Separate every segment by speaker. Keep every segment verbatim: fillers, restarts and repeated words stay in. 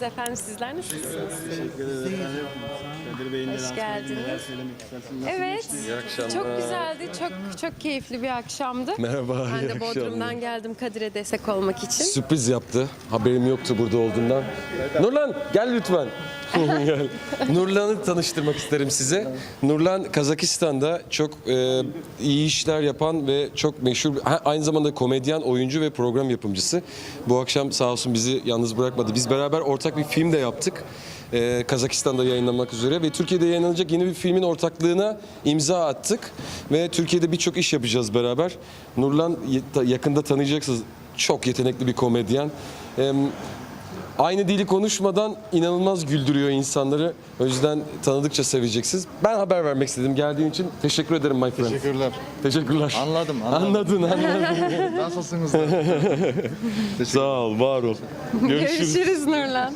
Speaker 1: efendim. Sizler nasılsınız?
Speaker 2: Teşekkür ederiz efendim. Kadir Bey'in de
Speaker 1: Hoş
Speaker 2: lansmanı
Speaker 1: geldiniz.
Speaker 2: neler söylemek istersiniz? Nasıl
Speaker 1: Evet.
Speaker 2: geçti?
Speaker 3: İyi akşamlar.
Speaker 1: Çok güzeldi. Çok çok keyifli bir akşamdı.
Speaker 3: Merhaba,
Speaker 1: Ben
Speaker 3: iyi
Speaker 1: de
Speaker 3: akşamlar.
Speaker 1: Bodrum'dan geldim Kadir'e destek olmak için.
Speaker 3: Sürpriz yaptı. Haberim yoktu burada olduğundan. Nurlan gel lütfen. Gel. Nurlan'ı tanıştırmak isterim size. Nurlan Kazakistan'da çok e, iyi işler yapan ve çok meşhur, ha, aynı zamanda komedyen, oyuncu ve program yapımcısı. Bu akşam sağ olsun bizi yalnız bırakmadı. Biz beraber ortak bir film de yaptık. Ee, Kazakistan'da yayınlanmak üzere ve Türkiye'de yayınlanacak yeni bir filmin ortaklığına imza attık ve Türkiye'de birçok iş yapacağız beraber. Nurlan yakında tanıyacaksınız, çok yetenekli bir komedyen. Ee, aynı dili konuşmadan inanılmaz güldürüyor insanları. O yüzden tanıdıkça seveceksiniz. Ben haber vermek istedim. Geldiğin için teşekkür ederim my friend.
Speaker 4: Teşekkürler.
Speaker 3: Teşekkürler.
Speaker 4: Anladım, anladım.
Speaker 3: Anladın, anladın.
Speaker 4: Nasılsınız?
Speaker 3: Sağ ol, var ol. Görüşürüz.
Speaker 1: Görüşürüz Nurlan.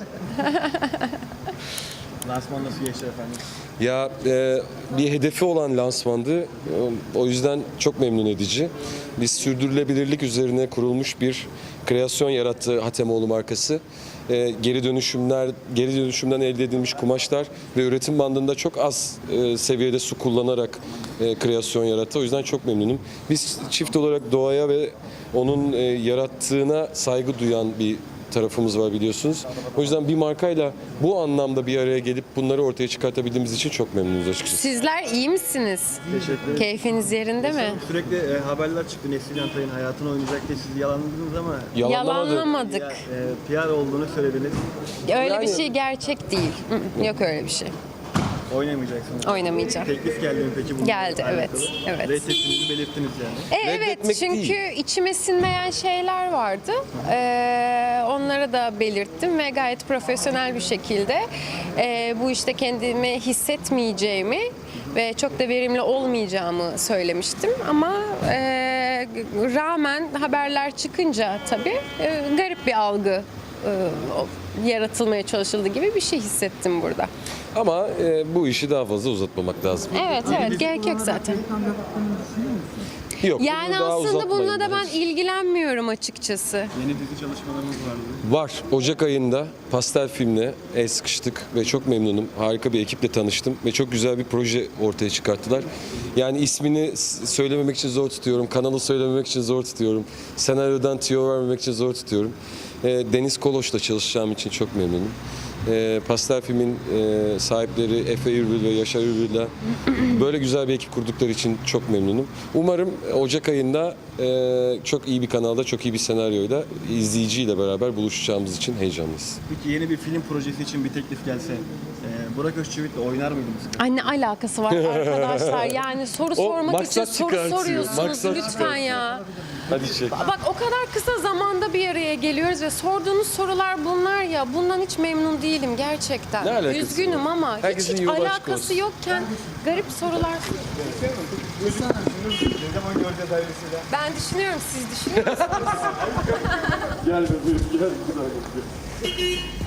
Speaker 2: Lansman nasıl geçti efendim?
Speaker 3: Ya e, bir hedefi olan lansmandı. O yüzden çok memnun edici. Biz sürdürülebilirlik üzerine kurulmuş bir kreasyon yarattı Hatemoğlu markası. E, geri dönüşümler, geri dönüşümden elde edilmiş kumaşlar ve üretim bandında çok az e, seviyede su kullanarak e, kreasyon yarattı. O yüzden çok memnunum. Biz çift olarak doğaya ve onun e, yarattığına saygı duyan bir tarafımız var biliyorsunuz. O yüzden bir markayla bu anlamda bir araya gelip bunları ortaya çıkartabildiğimiz için çok memnunuz açıkçası.
Speaker 1: Sizler iyi misiniz?
Speaker 2: Teşekkür ederim.
Speaker 1: Keyfiniz yerinde mi?
Speaker 2: Sürekli e, haberler çıktı. Neslihan Atay'ın hayatını oynayacak diye siz yalanladınız ama
Speaker 3: Yalanlamadı.
Speaker 1: Yalanlamadık.
Speaker 2: ya, e, P R olduğunu söylediniz.
Speaker 1: Öyle bir
Speaker 3: Yani-
Speaker 1: şey gerçek değil. Hı, Yok öyle bir şey.
Speaker 2: Oynamayacaksınız.
Speaker 1: Oynamayacağım.
Speaker 2: Teklif geldi mi peki bununla
Speaker 1: Geldi,
Speaker 2: alakalı?
Speaker 1: evet, evet.
Speaker 2: Reddettiğinizi belirttiniz yani.
Speaker 1: E, evet
Speaker 3: Reddetmek
Speaker 1: çünkü
Speaker 3: değil.
Speaker 1: içime sinmeyen şeyler vardı. Ee, onları da belirttim ve gayet profesyonel bir şekilde e, bu işte kendimi hissetmeyeceğimi ve çok da verimli olmayacağımı söylemiştim. Ama e, rağmen haberler çıkınca tabii e, garip bir algı e, o- yaratılmaya çalışıldı gibi bir şey hissettim burada.
Speaker 3: Ama e, bu işi daha fazla uzatmamak lazım.
Speaker 1: Evet evet gerek yok zaten.
Speaker 3: Yok.
Speaker 1: Yani
Speaker 3: bunu daha
Speaker 1: aslında
Speaker 3: uzatmayın
Speaker 1: bununla da ben
Speaker 3: bence.
Speaker 1: ilgilenmiyorum açıkçası.
Speaker 2: Yeni dizi çalışmalarımız vardı.
Speaker 3: Var. Ocak ayında Pastel filmle el sıkıştık ve çok memnunum. Harika bir ekiple tanıştım ve çok güzel bir proje ortaya çıkarttılar. Yani ismini s- söylememek için zor tutuyorum. Kanalı söylememek için zor tutuyorum. Senaryodan tüyo vermemek için zor tutuyorum. E, Deniz Koloş'la çalışacağım için çok memnunum. E, Pastel filmin e, sahipleri Efe Ürbül ve Yaşar Ürbül'le böyle güzel bir ekip kurdukları için çok memnunum. Umarım Ocak ayında e, çok iyi bir kanalda, çok iyi bir senaryoyla izleyiciyle beraber buluşacağımız için heyecanlıyız.
Speaker 2: Peki yeni bir film projesi için bir teklif gelse e, Burak Özçivit'le oynar mıydınız?
Speaker 1: Ay ne alakası var arkadaşlar? Yani soru sormak için
Speaker 3: maksat
Speaker 1: soru
Speaker 3: çıkartıyor,
Speaker 1: soruyorsunuz
Speaker 3: maksat
Speaker 1: lütfen
Speaker 3: çıkartıyor.
Speaker 1: ya.
Speaker 3: Hadi çek.
Speaker 1: Bak o kadar kısa zamanda bir araya geliyoruz ve sorduğunuz sorular bunlar ya. Bundan hiç memnun değilim gerçekten.
Speaker 3: Ne alakası
Speaker 1: Üzgünüm
Speaker 3: var?
Speaker 1: ama hiç,
Speaker 3: Herkesin
Speaker 1: hiç
Speaker 3: yolu açık
Speaker 1: alakası
Speaker 3: olsun.
Speaker 1: yokken garip sorular.
Speaker 2: Ne zaman göreceğiz ayrısıyla?
Speaker 1: Ben düşünüyorum, siz düşünüyor musunuz?
Speaker 2: Gel bebeğim gel.